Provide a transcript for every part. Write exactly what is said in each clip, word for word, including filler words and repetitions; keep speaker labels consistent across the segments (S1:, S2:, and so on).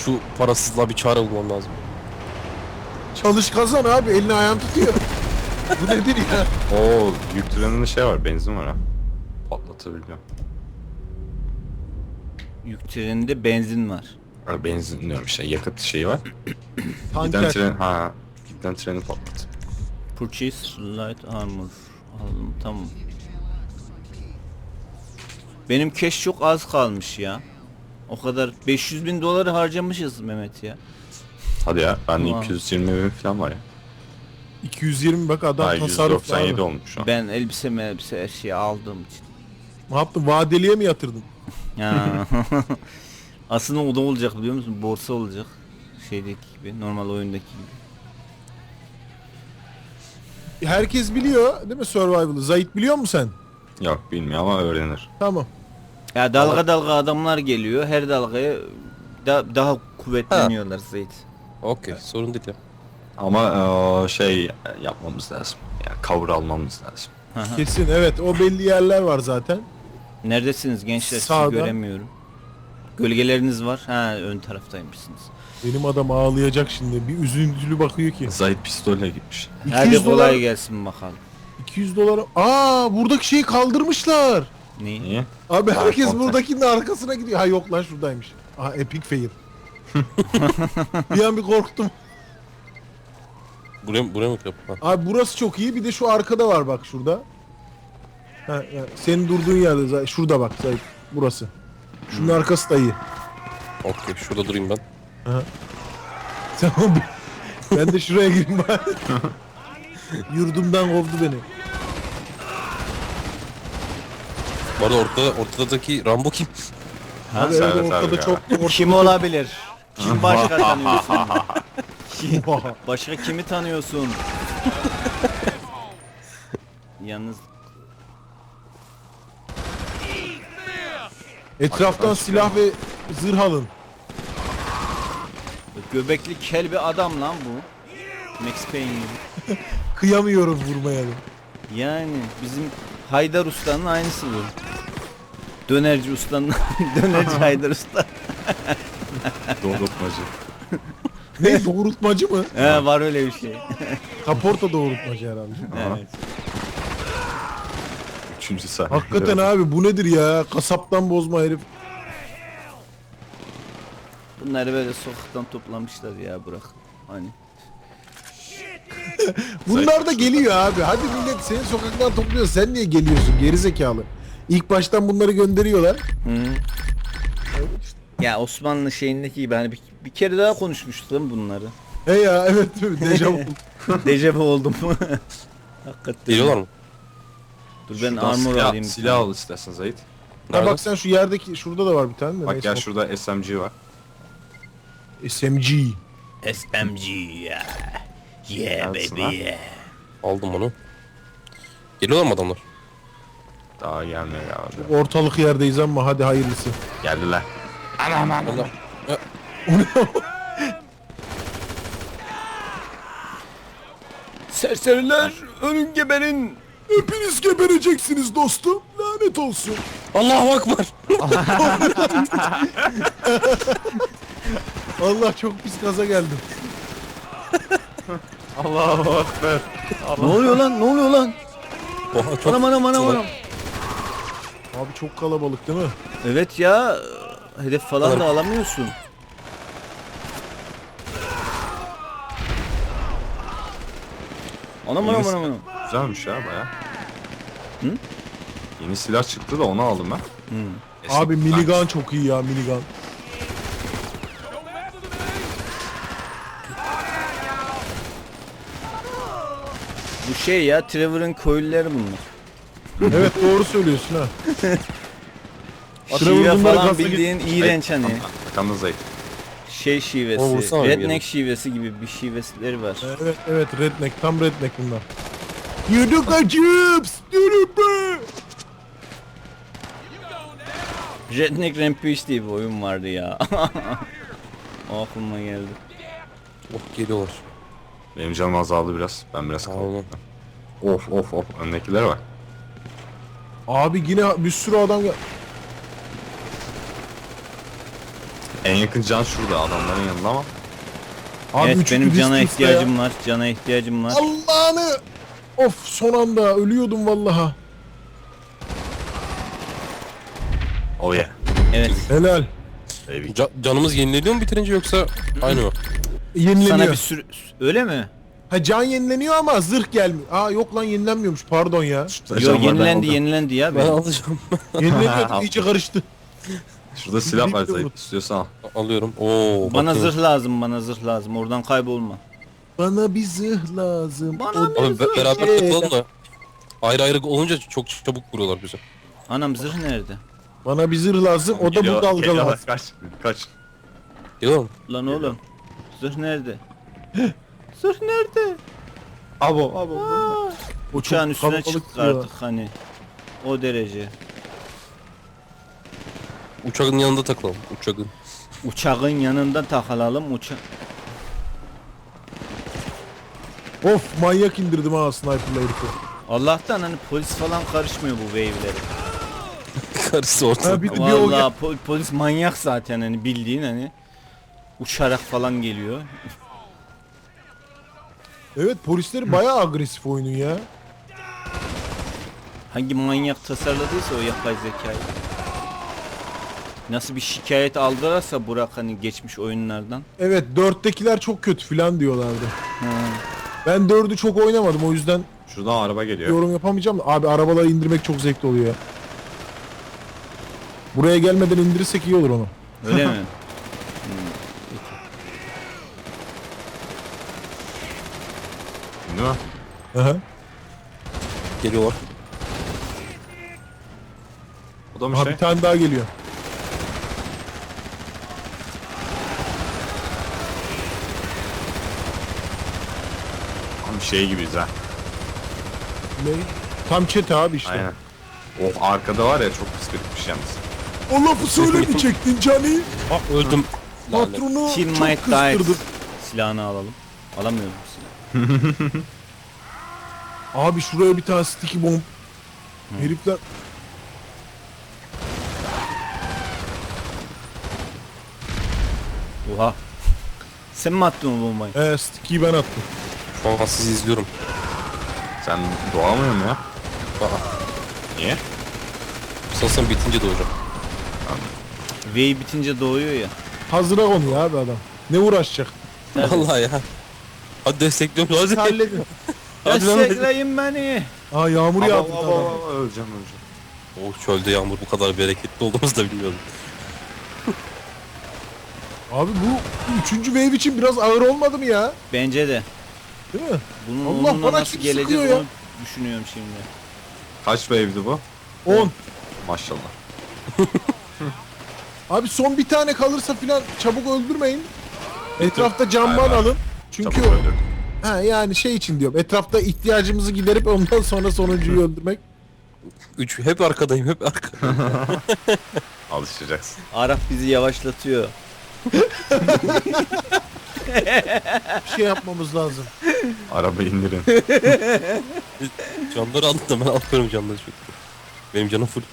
S1: şu parasızlığa bir çare bulmam lazım.
S2: Çalış kazan abi, elini ayağını tutuyor. Bu nedir ya?
S3: Oo, yük treninde şey var, benzin var ha. Patlatabiliyor.
S4: Yük treninde benzin var.
S3: Ha, benzin diyorum işte, yakıt şeyi var. Giden
S2: Tanker.
S3: tren, ha, giden treni patlat.
S4: Purchase light armor. Aldım, tamam. Benim cash çok az kalmış ya. O kadar beş yüz bin doları harcamışız Mehmet ya.
S3: Hadi ya, bende
S4: Tamam.
S3: iki yüz yirmi bin falan var ya.
S2: iki yüz yirmi bak adam
S3: Daha yüz
S2: tasarruf
S3: doksan yedi
S2: abi.
S3: olmuş şu an.
S4: Ben elbise elbise her şeyi aldığım için.
S2: Ne yaptın? Vadeliye mi yatırdın?
S4: Ya. Aslında o da olacak biliyor musun? Borsa olacak. Şeydeki gibi, normal oyundaki gibi.
S2: Herkes biliyor değil mi Survival'ı? Zahit biliyor musun sen?
S3: Yok, bilmiyor ama öğrenir.
S2: Tamam.
S4: Ya dalga dalga adamlar geliyor. Her dalgaya da, daha kuvvetleniyorlar Zeyt.
S1: Okey, sorun değil ya.
S3: Ama eee, şey yapmamız lazım. Yani cover almamız lazım.
S2: Kesin evet, o belli yerler var zaten.
S4: Neredesiniz gençler? Sizi
S2: Sağda.
S4: göremiyorum. Gölgeleriniz var. Ha, ön taraftaymışsınız.
S2: Benim adam ağlayacak şimdi. Bir üzüntülü bakıyor ki.
S3: Zahit pistolle gitmiş.
S4: Hadi
S2: iki yüz
S4: kolay
S2: dolar,
S4: gelsin bakalım.
S2: iki yüz dolar. Aa, buradaki şeyi kaldırmışlar.
S4: Neyi?
S3: Niye?
S2: Abi
S3: Ha,
S2: herkes
S3: kontak.
S2: buradakinin arkasına gidiyor. Ha yok lan, şuradaymış. Aha, epic fail. Bir an bir korktum.
S1: Buraya, buraya mı yapalım?
S2: Abi burası çok iyi. Bir de şu arkada var bak, şurada. Ha, yani senin durduğun yerde zaten. Şurada bak Zahit. Burası. Şunun arkası da iyi.
S1: Okey, şurada durayım ben.
S2: Tamam. Ben de şuraya gireyim bari. Yurdumdan kovdu beni.
S1: Bu arada ortada, ortadaki Rambo kim?
S2: Abi
S3: Servet
S2: evet,
S3: abi
S2: ortada
S3: ya.
S2: çok ortada
S4: Kim olabilir? Kim başka tanıyorsun?
S2: çok-
S4: Başka kimi tanıyorsun? Yalnız
S2: Etraftan silah ve zırh alın.
S4: göbekli kel bir adam lan bu. Max Payne gibi.
S2: Kıyamıyorum vurmaya da.
S4: Yani bizim Haydar Usta'nın aynısı bu. Dönerci ustanın dönerci Haydar Usta.
S3: Doğrultmacı.
S2: Ne, doğrultmacı mı?
S4: He, var öyle bir şey.
S2: Kaporta doğrultmacı herhalde.
S4: Evet.
S3: Üçüncü sahne.
S2: Hakikaten abi, bu nedir ya? Kasaptan bozma herif.
S4: Bunları böyle sokaktan toplamışlar ya, bırak. Hani
S2: Bunlar da geliyor abi. Hadi millet seni sokaktan topluyor. Sen niye geliyorsun gerizekalı? İlk baştan bunları gönderiyorlar.
S4: Hı. Ya Osmanlı şeyindeki gibi hani bir, bir kere daha konuşmuştum bunları.
S2: He ya, evet dejavu.
S4: Dejavu oldum. Hakikaten.
S1: Geliyorlar mı?
S4: Dur ben
S3: Şuradan
S4: armor
S3: silah,
S4: alayım. bir
S3: silah
S4: tane.
S3: al istersen Zahit.
S2: Ha
S1: Nerede?
S2: bak sen şu yerdeki, şurada da var bir tane de.
S3: Bak
S2: neyse.
S3: gel, şurada S M G var.
S2: S M G.
S4: S M G ya. Yeah
S3: Neredesin
S4: baby
S3: lan?
S4: yeah.
S1: Aldım onu. Geliyorlar mı adamlar?
S3: Daha gelmiyor ya abi.
S2: Ortalık yerdeyiz ama hadi hayırlısı.
S3: Geldiler.
S1: Allah. Ya,
S4: Serseriler ölün geberin.
S2: Hepiniz gebereceksiniz dostum. Lanet olsun.
S1: Allahu Akbar.
S2: Allah, çok pis gaza geldim.
S3: Allahu Ekber.
S4: Ne oluyor lan, ne oluyor lan?
S1: Oha, çok
S4: Anam anam anam anam.
S2: Abi çok kalabalık değil mi?
S4: Evet ya, hedef falan da alamıyorsun. Anam anam
S3: Yeni
S4: anam anam.
S3: silah güzelmiş ya baya.
S4: Hı?
S3: Yeni silah çıktı da onu aldım ben.
S4: Hı.
S3: Eski-
S2: Abi minigun çok iyi ya, minigun.
S4: Bu şey ya, Trevor'ın köylüleri bunlar.
S2: Evet doğru söylüyorsun ha.
S4: Şive
S2: bunlar
S4: falan
S2: gaza
S4: bildiğin iğrenç hani.
S3: Arkanda Zahit.
S4: Şey
S1: O
S4: şivesi,
S1: vursana bir
S4: redneck
S1: yere.
S4: şivesi gibi bir şivesleri var.
S2: Evet evet, redneck, tam redneck bunlar. Yuduk acıps. Yürü be.
S4: Redneck Rampage diye bir oyun vardı ya. O aklıma geldi.
S1: Oh, geliyorlar.
S3: Benim canım azaldı biraz. Ben biraz
S1: Aynen.
S3: kaldım. Of of of. Öndekilere bak.
S2: Abi yine bir sürü adam gel.
S3: En En yakın can şurada adamların yanında ama.
S2: Abi
S4: Evet
S2: üçüncü
S4: benim cana
S2: distance'da ya.
S4: ihtiyacım var. Cana ihtiyacım var.
S2: Allah'ını. Of son anda ölüyordum vallaha.
S3: Oh yeah.
S4: Evet.
S2: Helal.
S3: Baby.
S1: Ca- canımız yenileniyor mu bitirince yoksa aynı mı?
S2: Yenileniyor.
S4: Sana bir sürü... Öyle mi?
S2: Ha can yenileniyor ama zırh gelmiyor. Aa yok lan yenilenmiyormuş pardon ya.
S3: Şurada
S4: Yo
S3: can var, ben
S4: yenilendi
S3: aldım.
S4: yenilendi ya.
S1: Ben
S4: Ben.
S1: alacağım.
S2: Yenileniyor iyice karıştı.
S3: Şurada silah var
S2: Birlikte
S3: Zahit,
S2: vur.
S3: istiyorsan al.
S1: Alıyorum. Oo.
S4: Bana
S1: bakayım.
S4: zırh lazım bana zırh lazım. Oradan kaybolma.
S2: Bana bir zırh lazım.
S4: Bana
S2: O-
S4: bir-
S1: Abi be- beraber
S2: Şey-
S1: takılalım da. Ayrı ayrı olunca çok çabuk vuruyorlar bize.
S4: Anam zırh nerede?
S2: Bana bir zırh lazım. O da
S3: Geliyor-
S2: bu dalga
S3: geliyorlar,
S2: lazım.
S3: Kaç. Kaç.
S1: Geliyor mu?
S4: Lan oğlum. Zırh nerede? Zırh nerede?
S3: Abo abo.
S2: O
S4: Uçağın
S2: çok
S4: üstüne
S2: kalabalık
S4: çıktık
S2: ya.
S4: artık hani. O derece.
S1: Uçağın yanında takılalım. Uçağın.
S4: Uçağın yanında takılalım uçak.
S2: Of manyak indirdim ha sniper'la herifi.
S4: Allah'tan hani polis falan karışmıyor bu wave'lere.
S1: Karısı ortada.
S2: Ha bir, bir o
S4: Vallahi po- polis manyak zaten hani bildiğin hani. Uçarak falan geliyor.
S2: Evet polisleri bayağı agresif oyunun ya.
S4: Hangi manyak tasarladıysa o yapay zekayı. Nasıl bir şikayet aldırarsa Burak hani geçmiş oyunlardan.
S2: Evet dörttekiler çok kötü filan diyorlardı.
S4: Ha.
S2: Ben dördü çok oynamadım o yüzden
S3: Şuradan araba geliyor.
S2: yorum yapamayacağım. da. Abi arabaları indirmek çok zevkli oluyor ya. Buraya gelmeden indirirsek iyi olur onu.
S4: Öyle mi?
S3: Değil mi?
S2: Aha.
S1: Geliyorlar.
S3: O da mı
S2: Aha,
S3: şey?
S2: bir tane daha geliyor.
S3: Tam şey gibiyiz ha.
S2: Ne? Tam çete abi işte.
S3: Aynen. Oh arkada var ya çok pis bir yalnız.
S2: O lafı söylemeyecektin Cani.
S1: Ah öldüm. Lanet.
S2: Patronu
S4: Team
S2: çok
S4: Might Died.
S2: kızdırdın.
S4: Silahını alalım. Alamıyorum silahı.
S2: Abi şuraya bir tane sticky bomb. Herifler
S4: Oha. Sen mi attın o bombayı?
S2: e, sticky'yi ben attım.
S1: Şu an sizi izliyorum.
S3: Sen doğamıyor mu ya?
S1: Aa,
S3: Niye?
S1: sanırsam bitince doğacağım.
S4: Wave bitince doğuyor ya.
S2: Hazıra konuyor abi adam. Ne uğraşacak?
S4: Tabii.
S1: Vallahi ya. Hadi destekliyorum. Hadi.
S2: Halledin.
S1: Hadi lan.
S4: Destekleyin beni.
S2: Aa yağmur
S3: Abo,
S2: yağdı.
S3: abo,
S2: adam.
S3: abo, öleceğim öleceğim.
S1: Oh çölde yağmur bu kadar bereketli olduğumuzu da bilmiyordum.
S2: Abi bu üçüncü wave için biraz ağır olmadı mı ya?
S4: Bence de.
S2: Değil mi?
S4: Bunun
S2: Allah,
S4: onunla
S2: bana
S4: nasıl
S2: kim
S4: geleceğiz
S2: sıkıyor ya?
S4: onu düşünüyorum şimdi.
S3: Kaç wave'di bu?
S2: on.
S3: Maşallah.
S2: Abi son bir tane kalırsa filan çabuk öldürmeyin. Etrafta camban
S3: Hayır, hayır.
S2: alın. Çünkü
S3: Çabuk öldür.
S2: ha yani şey için diyorum. Etrafta ihtiyacımızı giderip ondan sonra sonuncuyu öldürmek.
S1: Üç, hep arkadayım hep arkadayım.
S3: Alışacaksın.
S4: Arap bizi yavaşlatıyor.
S2: Bir şey yapmamız lazım.
S3: Araba indirin.
S1: Canları aldım da ben alıyorum canları çok. Benim canım full.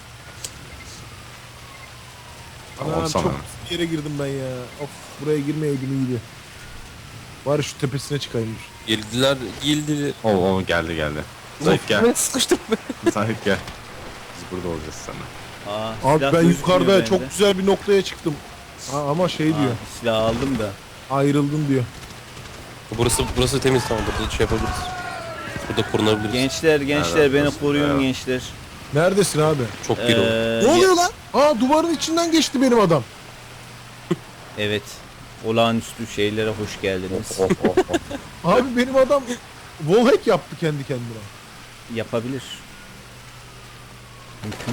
S3: Tamam
S2: Anam,
S3: sana.
S2: çok pis bir yere girdim ben ya. Of buraya girmeyeydim iyiydi. Bari şu tepesine çıkayım.
S1: Geldiler, geldiler.
S3: O o geldi geldi. Zahit gel.
S1: Ben sıkıştım be.
S3: Zahit gel. Biz burada olacağız seninle.
S4: Aa,
S2: Abi
S4: silah
S2: ben
S4: gözükmüyor
S2: yukarıda
S4: bende.
S2: çok güzel bir noktaya çıktım. Ha, ama şey diyor.
S4: Aa, silah aldım da.
S2: Ayrıldım diyor.
S1: Burası burası temiz tamam burada şey yapabiliriz. Burada korunabiliriz.
S4: Gençler gençler
S3: Evet,
S4: beni
S3: burası-
S4: koruyun
S3: evet.
S4: gençler.
S2: Neredesin abi?
S1: Çok geri oldu.
S4: Ee,
S2: Ne oluyor lan? Aa duvarın içinden geçti benim adam.
S4: Evet. Olağanüstü şeylere hoş geldiniz.
S3: Oh oh oh.
S2: Abi benim adam wallhack yaptı kendi kendine.
S4: Yapabilir. Mümkün.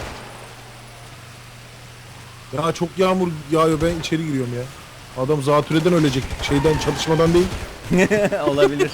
S2: Ya çok yağmur yağıyor ben içeri giriyorum ya. Adam zatürreden ölecek. Şeyden çatışmadan değil.
S4: Olabilir.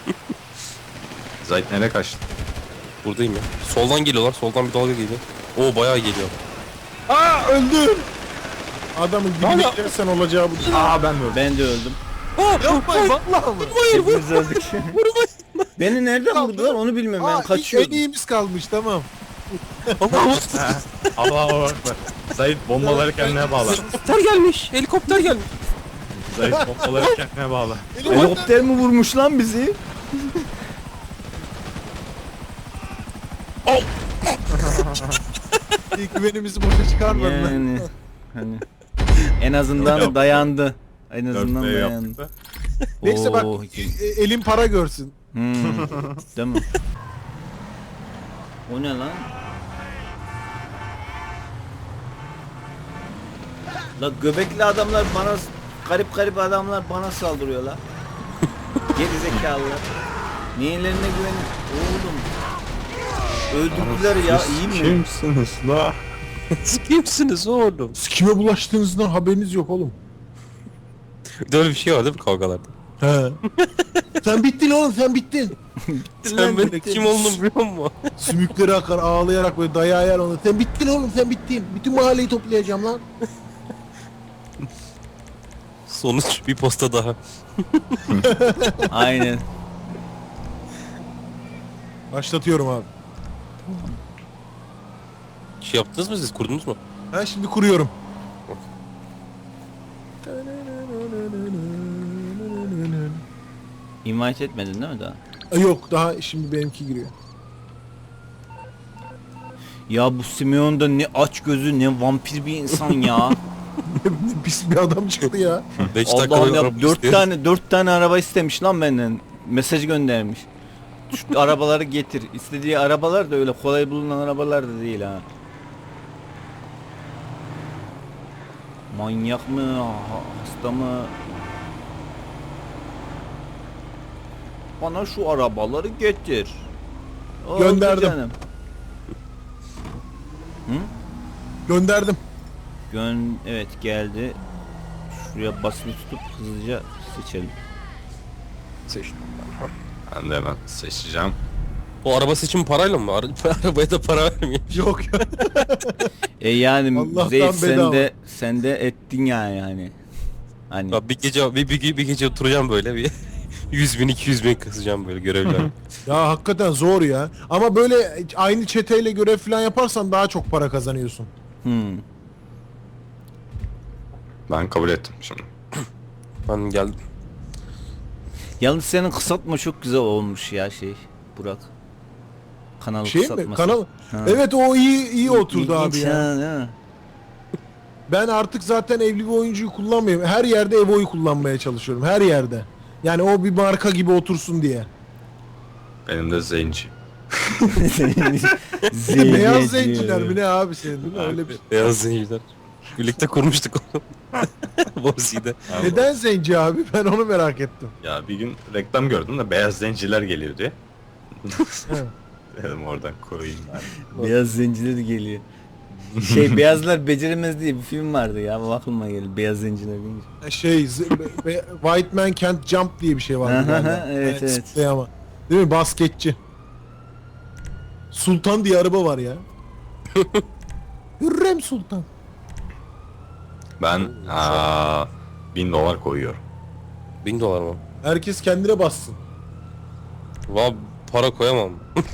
S3: Zahit nereye kaçtı?
S1: Buradayım ya. Soldan geliyorlar. Soldan bir dalga geliyor. Oo bayağı geliyor.
S2: Aa öldüm. Adamın dibine girersen olacağı bu.
S3: Aa ben de öldüm.
S4: Ben de öldüm.
S2: Yapmayın vallahi mı?
S4: Hepimiz öldük. Beni nereden vurdular onu bilmiyorum ben
S2: Aa,
S4: kaçıyordum.
S2: en iyimiz kalmış tamam.
S1: Allah
S3: Allah'a bakma. Zahit bombaları kendine bağla.
S1: Helikopter gelmiş. Helikopter gelmiş.
S3: Zahit bombaları kendine bağla.
S4: Helikopter mi vurmuş lan bizi?
S2: İlk güvenimizi boşa çıkarmadın.
S4: Yani hani en azından dayandı. En azından
S3: Dörtte
S4: dayandı.
S3: yaptık da.
S2: Neyse bak
S4: Oo,
S2: e- elin para görsün.
S4: Hmm. Değil mi? O ne lan? La göbekli adamlar bana garip garip adamlar bana saldırıyor la. Geri zekalılar. Niyelerine güvenin? Oğlum. Öldürdüler ya iyi mi?
S3: Kimsiniz la?
S1: Siz kimsiniz oğlum?
S2: Siz kime bulaştığınızdan haberiniz yok oğlum.
S1: Bir de öyle bir şey var değil mi kavgalarda?
S2: He. Sen bittin oğlum sen bittin.
S1: Sen benim kim olduğumu biliyor musun?
S2: Sümükleri akar ağlayarak böyle dayağı yer onu. Sen bittin oğlum sen bittin. Bütün mahalleyi toplayacağım lan.
S1: Sonuç bir posta daha.
S4: Aynen.
S2: Başlatıyorum abi.
S1: Şey yaptınız mı siz? Kurdunuz mu?
S2: Ben şimdi kuruyorum.
S4: İnvite etmedin değil mi daha?
S2: E, Yok daha şimdi benimki giriyor.
S4: Ya bu Simeon da ne aç gözü ne vampir bir insan ya.
S2: Ne pis bir adam çıktı ya.
S1: beş dakika
S4: Allah'ım
S1: böyle
S4: ya
S1: araba
S4: dört
S1: istiyor.
S4: tane dört tane araba istemiş lan benden. Mesaj göndermiş. Şu arabaları getir. İstediği arabalar da öyle kolay bulunan arabalar da değil ha. Manyak mı? ha- Hasta mı? Bana şu arabaları getir. Oldu
S2: Gönderdim.
S4: canım.
S2: Gönderdim.
S4: Gön evet geldi. Şuraya basılı tutup hızlıca seçelim.
S1: Seçtim.
S3: Ben de hemen seçeceğim.
S1: O araba seçimi parayla mı? Ara arabaya da para vermiyor.
S2: Yok ya.
S4: E yani
S2: Allah'tan
S4: Zeyt sen
S2: bedava.
S4: de sen de ettin yani yani. Hani
S1: Ya bir gece bir, bir, bir gece oturacağım böyle bir yüz bin iki yüz bin kasacağım böyle görevler.
S2: Ya hakikaten zor ya. Ama böyle aynı çeteyle görev falan yaparsan daha çok para kazanıyorsun.
S4: hmm.
S3: Ben kabul ettim şimdi.
S1: Ben geldim.
S4: Yalnız senin kısaltma çok güzel olmuş ya şey Burak. Kanal
S2: Şey mi?
S4: kısaltması.
S2: Kanal.
S4: Ha.
S2: Evet o iyi iyi oturdu abi
S4: İlginç
S2: ya.
S4: ha, değil mi?
S2: Ben artık zaten evli bir oyuncuyu kullanmıyorum. Her yerde Evo'yu kullanmaya çalışıyorum. Her yerde. Yani o bir marka gibi otursun diye.
S3: Benim de zenci.
S4: Zeynep
S2: Beyaz
S4: diyor.
S2: zenciler mi ne abi senin değil mi? Öyle bir.
S1: Beyaz zenciler. Birlikte kurmuştuk onu. Borsi'de.
S2: Neden zenci abi? Ben onu merak ettim.
S3: Ya bir gün reklam gördüm de beyaz zenciler geliyor diye.
S2: He.
S3: Dedim oradan koyayım ben.
S4: Beyaz zenciler geliyor. Şey Beyazlar Beceremez diye bir film vardı ya. Bu aklıma geldi. Beyaz zenciler deyince.
S2: Şey z- be- be- White Man Can't Jump diye bir şey vardı
S4: Aha,
S2: galiba.
S4: evet, evet.
S2: zıplayama. Değil mi? Basketçi. Sultan diye araba var ya. Hürrem Sultan.
S3: Ben aa, bin dolar koyuyorum.
S1: Bin dolar mı?
S2: Herkes kendine bassın.
S1: Valla para koyamam.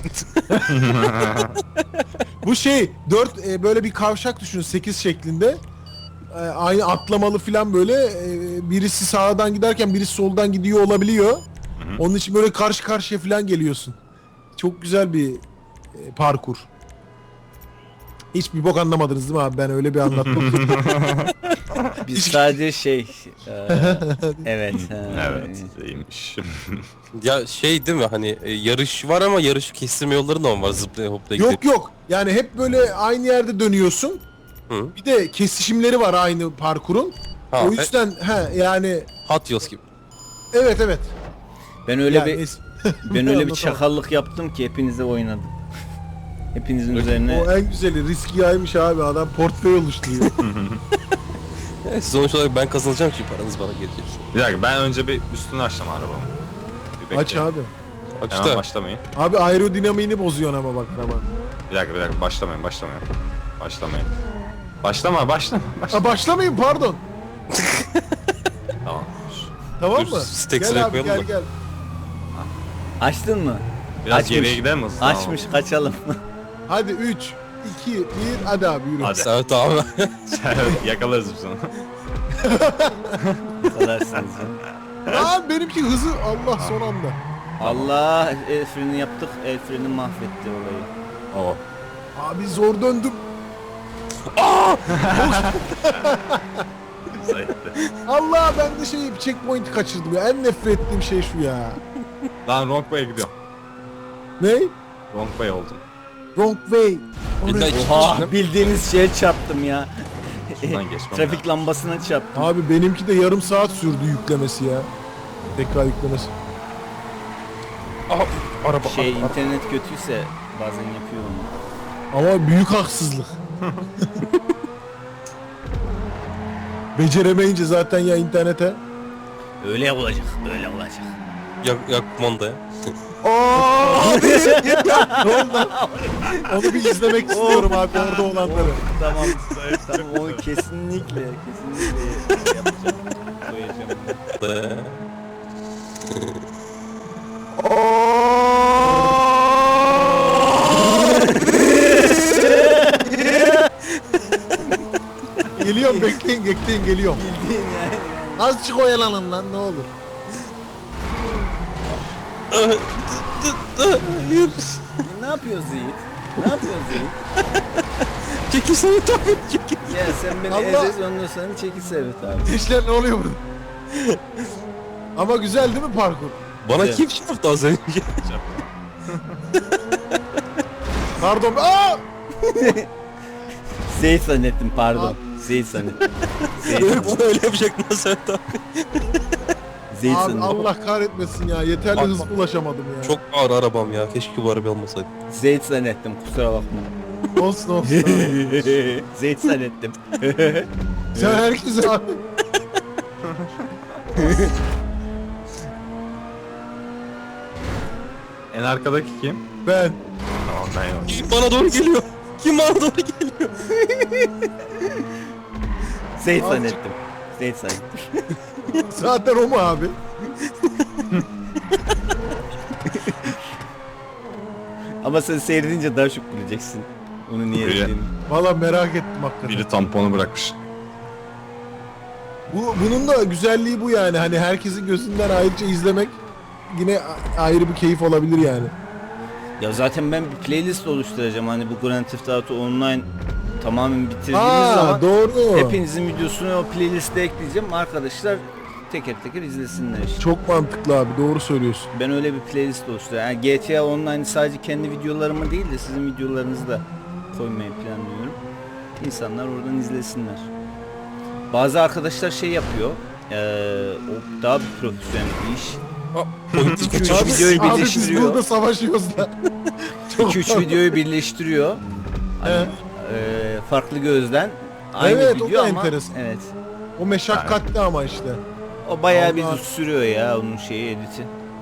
S2: Bu şey dört e, böyle bir kavşak düşün sekiz şeklinde. E, aynı atlamalı falan böyle e, birisi sağdan giderken birisi soldan gidiyor olabiliyor. Onun için böyle karşı karşıya falan geliyorsun. Çok güzel bir e, parkur. Hiçbir bok anlamadınız değil mi abi? Ben öyle bir anlattım.
S4: Biz sadece şey e, evet. ha,
S3: Evet, iyiymiş.
S1: Ya şey değil mi hani e, yarış var ama yarış kestirme yolları da mı var zıplaya hoplaya gidip?
S2: Yok yok. Yani hep böyle aynı yerde dönüyorsun.
S1: Hı.
S2: Bir de kesişimleri var aynı parkurun.
S1: Ha,
S2: O yüzden he yani
S1: Hot Wheels gibi.
S2: evet evet.
S4: Ben öyle
S2: Yani
S4: bir
S2: es-
S4: ben öyle bir
S2: Anlatamam.
S4: çakallık yaptım ki hepinize oynadım. Hepinizin üzerine
S2: O en güzeli riski yaymış abi adam portföy oluşturuyor.
S1: Evet, sonuç olarak ben kazanacağım ki paranız bana gelecek.
S3: Bir dakika ben önce bir üstünü açtım arabamı. Bir
S2: Aç
S3: bekleyin.
S2: abi.
S1: Bak
S3: Hemen
S1: işte.
S3: başlamayın.
S2: Abi aerodinamiğini bozuyorsun ama bak araba.
S3: Bir dakika bir dakika başlamayın başlamayın. Başlamayın. Başlama başlama. başlama.
S2: Ha başlamayın pardon.
S3: Tamam.
S2: Tamam
S1: Dur,
S2: mı?
S1: stek
S2: Gel
S1: sıraya
S2: abi
S1: koyalım
S2: gel
S1: da.
S2: gel.
S4: açtın mı?
S3: Biraz
S4: Açmış.
S3: geriye gider misin?
S4: Açmış kaçalım.
S2: Hadi üç, iki, bir, hadi abi yürü.
S3: Hadi.
S1: Evet abi.
S3: Yakalarız biz onu.
S4: Kalarsınız ya.
S2: Lan benimki hızı Allah son anda.
S4: Allah, el freni yaptık, el freni mahvetti olayı.
S3: Oo.
S2: Abi zor döndüm.
S3: Zayıftı.
S2: Allah ben de şey checkpoint'i kaçırdım ya. En nefret ettiğim şey şu ya.
S3: Lan wrong way'e gidiyorum.
S2: Ne?
S3: Wrong way oldum.
S2: Wrong way.
S1: Bir daha iki
S4: Oha,
S1: kişi.
S4: bildiğiniz şeye çarptım ya.
S3: Şuradan geçmem
S4: Trafik lambasına çarptım.
S2: Abi benimki de yarım saat sürdü yüklemesi ya. Tekrar yüklemesi.
S1: Aha, araba.
S4: Şey,
S1: araba.
S4: internet kötüyse bazen yapıyor onu.
S2: Ama büyük haksızlık. Beceremeyince zaten ya internete.
S4: Öyle olacak, öyle olacak.
S1: Yak, yak kumandaya.
S2: Abi ne oldu? Onu bir izlemek istiyorum abi orada olanları.
S4: Tamam, tamam onu kesinlikle, kesinlikle yapacağım. Koyacağım.
S2: Geliyorum bekleyin bekleyin geliyorum.
S4: Bildiğin yani.
S2: Azıcık oyalanın lan ne olur.
S1: Hayır.
S4: Ne yapıyoruz Yiğit? Ne yapıyoruz Yiğit?
S1: Çekilsene tabii çekil.
S4: Ya sen beni
S2: Allah!
S4: ezez ondan sonra çekil Servet abi.
S2: Gençler ne oluyor burada? Ama güzel değil mi parkur?
S1: Bana
S4: Güzel.
S1: kim çarptı az önce?
S2: Pardon. Aa!
S4: Zeyt zannettim pardon. Zeyt zannettim. Zeyt
S1: Yok
S4: zannettim.
S1: bana öyle yapacaktın sen tabii.
S4: Zeyt
S2: Abi
S4: zannettim.
S2: Allah kahretmesin ya. Yeterli
S1: Bak,
S2: hız
S1: bak.
S2: ulaşamadım ya.
S1: Çok ağır arabam ya. Keşke bu araba olmasaydı.
S4: Zeyt zannettim kusura bakma.
S2: Olsun olsun.
S4: Zeyt zannettim.
S2: Sen herkese abi.
S3: En arkadaki kim?
S2: Ben.
S3: Tamam ben yok.
S1: Kim bana doğru geliyor? Kim bana doğru geliyor?
S4: Zeyt
S2: Azıcık-
S4: zannettim. Zeyt zannettim.
S2: Zaten o mu abi?
S4: Ama sen seyredince daha çok bileceksin. Onu niye
S3: Öyle.
S4: dediğini.
S2: Valla merak ettim hakikaten.
S3: Biri tamponu bırakmış.
S2: Bu, bunun da güzelliği bu yani. Hani herkesin gözünden ayrıca izlemek yine a- ayrı bir keyif olabilir yani.
S4: Ya zaten ben bir playlist oluşturacağım. Hani bu Grand Theft Auto Online tamamen bitirdiğimiz
S2: Aa
S4: zaman
S2: doğru.
S4: hepinizin videosunu o playliste ekleyeceğim. Arkadaşlar teker teker izlesinler işte.
S2: Çok mantıklı abi doğru söylüyorsun.
S4: Ben öyle bir playlist oluşturuyorum. Yani G T A Online sadece kendi videolarımı değil de sizin videolarınızı da koymayı planlıyorum. İnsanlar oradan izlesinler. Bazı arkadaşlar şey yapıyor. Eee o daha bir profesyonel bir iş.
S1: Politik
S4: Üç
S1: kaçırmış.
S4: videoyu
S2: Abi biz
S4: birleştiriyor.
S2: burada savaşıyoruz da.
S4: iki üç videoyu birleştiriyor. Hani,
S2: He.
S4: eee, farklı gözden aynı
S2: Evet, o
S4: video
S2: da
S4: ama
S2: enteresan.
S4: evet.
S2: O meşakkatli ama işte.
S4: O bayağı bir
S2: Allah.
S4: sürüyor ya onun şeyi editi.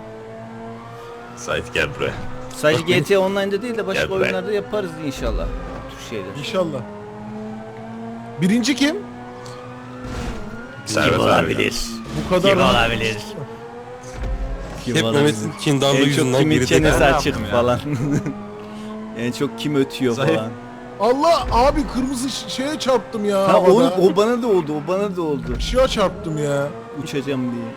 S3: Sait gel buraya.
S4: Sadece G T A Online'da değil de başka
S3: Gel be.
S4: oyunlarda yaparız inşallah. Bu tür şeyler.
S2: İnşallah. Birinci kim?
S3: Servet abi.
S2: Bu kadar.
S4: Kim olabilir? Kim
S1: Hep
S4: olabilir?
S1: Mehmet'in kindarlığı
S4: En çok
S1: yüzünden
S4: kimin
S1: geride
S4: çenesi
S1: kaldı.
S3: Ben
S4: açık
S3: yaptım ya.
S4: falan. En çok kim ötüyor
S3: Zayıf.
S4: falan.
S2: Allah abi kırmızı ş- şeye çarptım ya.
S4: Ha o,
S2: havada.
S4: o bana da oldu, o bana da oldu.
S2: Işığa çarptım ya.
S4: Uçacağım diye.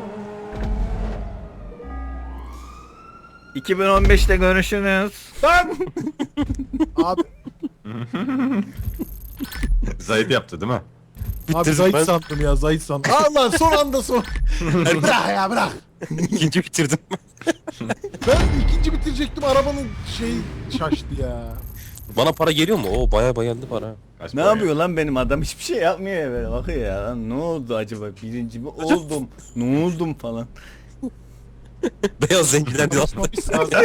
S4: iki bin on beşte görüşürüz.
S2: Lan! Abi,
S3: Zahit yaptı değil mi?
S2: abi
S1: Bitirdim
S2: Zahit
S1: ben.
S2: sandım ya Zahit sandım. Allah son anda son. Bırak ya bırak.
S1: İkinci bitirdim.
S2: Ben ikinci bitirecektim arabanın şeyi şaştı ya.
S1: Bana para geliyor mu? Oo baya baya geldi para.
S3: Kaç
S4: Ne
S3: para
S4: yapıyor lan benim adam hiçbir şey yapmıyor ya böyle bakıyor ya lan ne oldu acaba birinci mi oldum ne oldum falan.
S1: Beyaz zenginler diyor.
S2: Konuşmamız lazım.